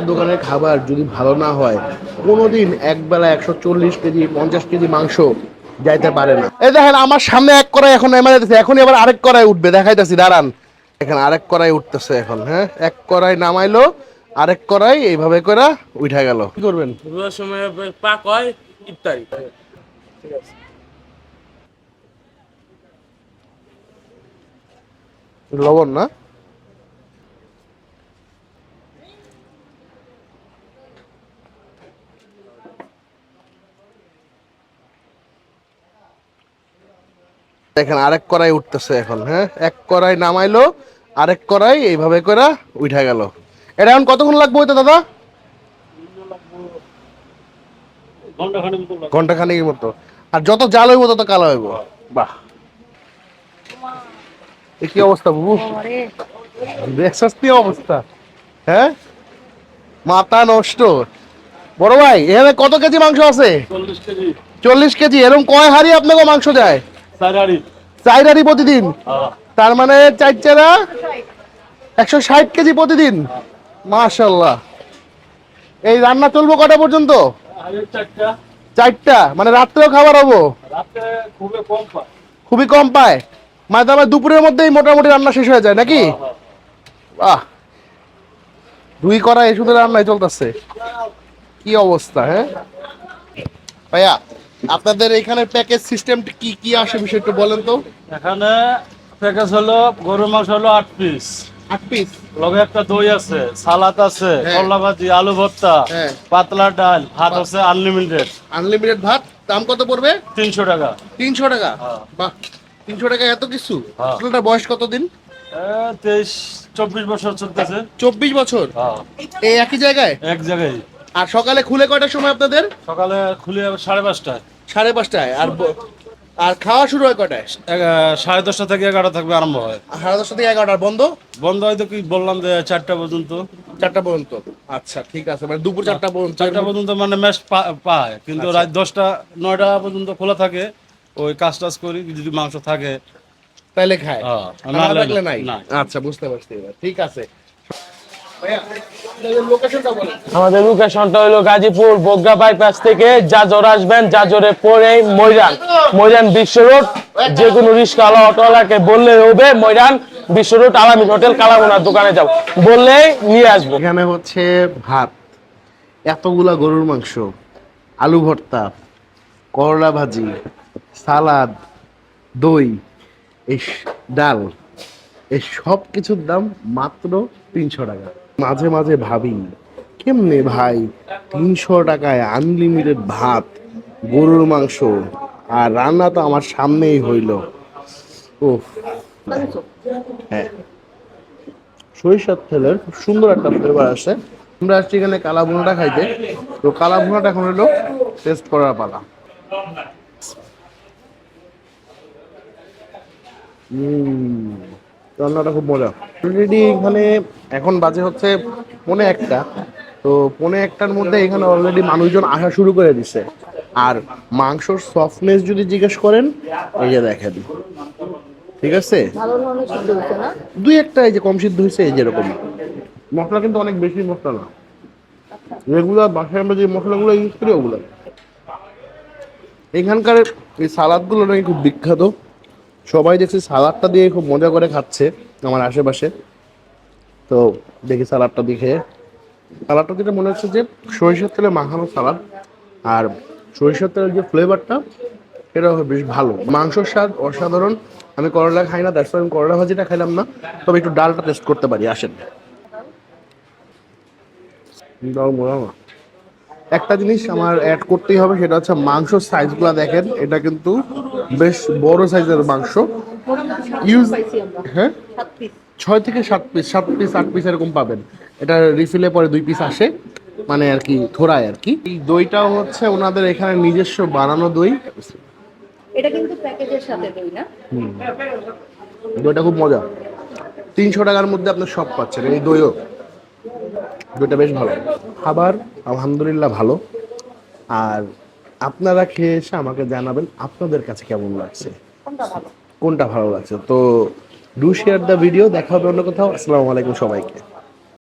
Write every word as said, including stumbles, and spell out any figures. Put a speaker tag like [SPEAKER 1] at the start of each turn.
[SPEAKER 1] দোকানের খাবার যদি ভালো না হয় কোনোদিন একবেলা একশো চল্লিশ কেজি পঞ্চাশ কেজি মাংস যাইতে পারে না। এই দেখেন আমার সামনে এক কড়াই এখন নেমে যাইতেছে, এখনই আবার আরেক কড়াই উঠবে, দেখাইতেছি দাঁড়ান। এখানে আরেক কড়াই উঠতেছে এখন। হ্যাঁ, এক কড়াই নামাইলো, আরেক কড়াই এইভাবে করে উঠা গেল। কি করবেন?
[SPEAKER 2] রোজার সময় পাক হয় ইফতারি। ঠিক আছে,
[SPEAKER 1] লবণ না দেখেন আরেক কড়াই উঠতেছে এখন। হ্যাঁ, এক কড়াই নামাইলো, আরেক কড়াই এইভাবে করে উঠা গেল। এটা এখন কতক্ষণ লাগবে হইতে দাদা? ঘন্টা খানিকের মতো। আর যত জাল হইব তত কালো হইব। বাহ, এ কি অবস্থা বাবু, দেখছস কি অবস্থা? হ্যাঁ, মাথা নষ্ট। বড় ভাই এখানে কত কেজি মাংস আছে?
[SPEAKER 2] চল্লিশ কেজি।
[SPEAKER 1] চল্লিশ কেজি। এরকম কয় হাড়ি আপনাকে মাংস যায়?
[SPEAKER 2] চার হাঁড়ি।
[SPEAKER 1] চার হাড়ি প্রতিদিন? তার মানে চার চারা একশো ষাট কেজি প্রতিদিন। মাশাল্লাহ। এই রান্না চলবো কটা পর্যন্ত?
[SPEAKER 2] চারটা।
[SPEAKER 1] চারটা, মানে রাত্রেও খাবার হবো?
[SPEAKER 2] রাতে খুবই কম পায়।
[SPEAKER 1] খুবই কম পায়, মানে আমার দুপুরের মধ্যেই মোটামুটি রান্না শেষ হয়ে যায় নাকি? বাহ, দুই কড়াই শুধু রান্নাই চলতেছে, কি অবস্থা। হ্যাঁ ভাইয়া, আপনাদের এখানে প্যাকেজ সিস্টেম কি কি আসে বিষয় একটু বলেন তো।
[SPEAKER 2] এখানে প্যাকেজ হলো গরুর মাংস হলো আট পিস।
[SPEAKER 1] আট পিস,
[SPEAKER 2] লগে একটা দই আছে, সালাদ আছে,
[SPEAKER 1] হ্যাঁ।
[SPEAKER 2] করলা ভাজি, আলু ভর্তা,
[SPEAKER 1] হ্যাঁ।
[SPEAKER 2] পাতলা ডাল, ভাত আছে আনলিমিটেড।
[SPEAKER 1] আনলিমিটেড ভাত। দাম কত পড়বে?
[SPEAKER 2] তিনশো টাকা।
[SPEAKER 1] তিনশো টাকা?
[SPEAKER 2] হ্যাঁ।
[SPEAKER 1] বাহ, তিনশো টাকা এত কিছু।
[SPEAKER 2] হ্যাঁ।
[SPEAKER 1] আপনার বয়স কতদিন?
[SPEAKER 2] তেইশ চব্বিশ বছর চলতেছে।
[SPEAKER 1] চব্বিশ বছর?
[SPEAKER 2] হ্যাঁ।
[SPEAKER 1] এই একই জায়গায়?
[SPEAKER 2] এক জায়গায়।
[SPEAKER 1] আর সকালে খুলে কয়টার সময় আপনাদের?
[SPEAKER 2] সকালে খুলে সাড়ে পাঁচটায়।
[SPEAKER 1] সাড়ে পাঁচটায়। আর ব- আর খাওয়া শুরু হয় কয়টায়?
[SPEAKER 2] এগা- সাড়ে দশটা থেকে এগারোটা থাকবে আরম্ভ হয়।
[SPEAKER 1] সাড়ে দশটা থেকে এগারোটার বন্ধ?
[SPEAKER 2] বন্ধ হয়তো কি বললাম যে চারটা পর্যন্ত।
[SPEAKER 1] চারটা পর্যন্ত? আচ্ছা ঠিক আছে, মানে দুপুর চারটা পর্যন্ত।
[SPEAKER 2] চারটা পর্যন্ত মানে ম্যাচ পায়, কিন্তু
[SPEAKER 1] আচ্ছা।
[SPEAKER 2] রাত দশটা নয়টা পর্যন্ত খোলা থাকে। ওই কাজ টাজ করি, যদি মাংস থাকে
[SPEAKER 1] তাইলে খায়,
[SPEAKER 2] হ্যাঁ,
[SPEAKER 1] আর
[SPEAKER 2] না
[SPEAKER 1] না
[SPEAKER 2] হলে
[SPEAKER 1] থাকলে নাই।
[SPEAKER 2] না।
[SPEAKER 1] আচ্ছা, বুঝতে পারছি এবার। ঠিক আছে ভাইয়া, আপনাদের লোকেশনটা বলেন।
[SPEAKER 3] আমাদের লোকেশনটা হলো গাজীপুর বগ্রা বাইপাস থেকে জাজর আসবেন, জাজরে পরে ময়দান, ময়দান বিশ্ব রোড। যে কোনো রিক্সাওয়ালা অটোওয়ালাকে বললে হবে ময়দান বিশ্ব রোড আলামিন হোটেল কালামুনার দোকানে যাও, বললেই নিয়ে আসবো।
[SPEAKER 1] এখানে হচ্ছে ভাত, এতগুলা গরুর মাংস, আলু ভর্তা, করলা ভাজি, সালাদ, দই, এই স- ডাল, এই সব কিছুর দাম মাত্র তিনশো টাকা। মাঝে মাঝে ভাবি কেমনে ভাই তিনশো টাকায় আনলিমিটেড ভাত, গরুর মাংস, আর রান্না তো আমার সামনেই হইল। উফ, হ্যাঁ, সরিষার তেলের খুব সুন্দর একটা ফ্লেভার আসে। আমরা আসছি এখানে কালা ভুনাটা খাইতে, তো কালা ভুনাটা এখন হলো টেস্ট করার পালা। হুম, রান্নাটা খুব মজা। অলরেডি এখানে এখন বাজে হচ্ছে পৌনে একটা, তো পৌনে একটার মধ্যে এখানে অলরেডি মানুষজন আসা শুরু করে দিছে। আর মাংসর সফটনেস যদি জিজ্ঞেস করেন, এই যে দেখেন, ঠিক আছে,
[SPEAKER 4] ভালো ধরনের সিদ্ধ হচ্ছে না?
[SPEAKER 1] দুই একটা এই যে কম সিদ্ধ হয়েছে, এই যেরকম। মশলা কিন্তু অনেক বেশি মশলা না, রেগুলার বাসায় আমরা যে মশলাগুলো ইউজ করি ওগুলো। এখানকার এই সালাদগুলো নাকি খুব বিখ্যাত, সবাই দেখছি সালাদটা দিয়ে খুব মজা করে খাচ্ছে আমার আশেপাশে। তো দেখি সালাদটা দেখে, সালাদটা যেটা মনে হচ্ছে যে সরিষার তেলে মাখানো সালাদ, আর সরিষার তেলের যে ফ্লেভারটা সেটা বেশ ভালো। মাংসর স্বাদ অসাধারণ। আমি করলা খাই না, দ্যাটস আমি করলা ভাজিটা খাইলাম না, তবে একটু ডালটা টেস্ট করতে পারি, আসেন। দাও মোড়া না। একটা জিনিস আমার অ্যাড করতেই হবে, সেটা হচ্ছে মাংসর সাইজগুলো দেখেন, এটা কিন্তু বেশ বড় সাইজের মাংস ইউজ। হ্যাঁ,
[SPEAKER 4] সাত পিস।
[SPEAKER 1] ছয় থেকে সাত পিস, সাত পিস আট পিস এরকম পাবেন। এটা রিফিলে পরে দুই পিস আসে, মানে আর কি থোড়ায় আর কি। এই দইটাও হচ্ছে ওনাদের এখানে নিজস্ব বানানো দই।
[SPEAKER 4] এটা কিন্তু প্যাকেজের সাথে দই না?
[SPEAKER 1] দইটা খুব মজা, তিনশো টাকার মধ্যে আপনার সব পাচ্ছেন। এই দইও, দইটা বেশ ভালো। খাবার আলহামদুলিল্লাহ ভালো। আর আপনারা খেয়ে এসে আমাকে জানাবেন আপনাদের কাছে কেমন লাগছে,
[SPEAKER 4] কোনটা ভালো?
[SPEAKER 1] কোনটা ভালো লাগছে। তো ডু শেয়ার দ্য ভিডিও। দেখা হবে অন্য কোথাও। আসসালামু আলাইকুম সবাইকে।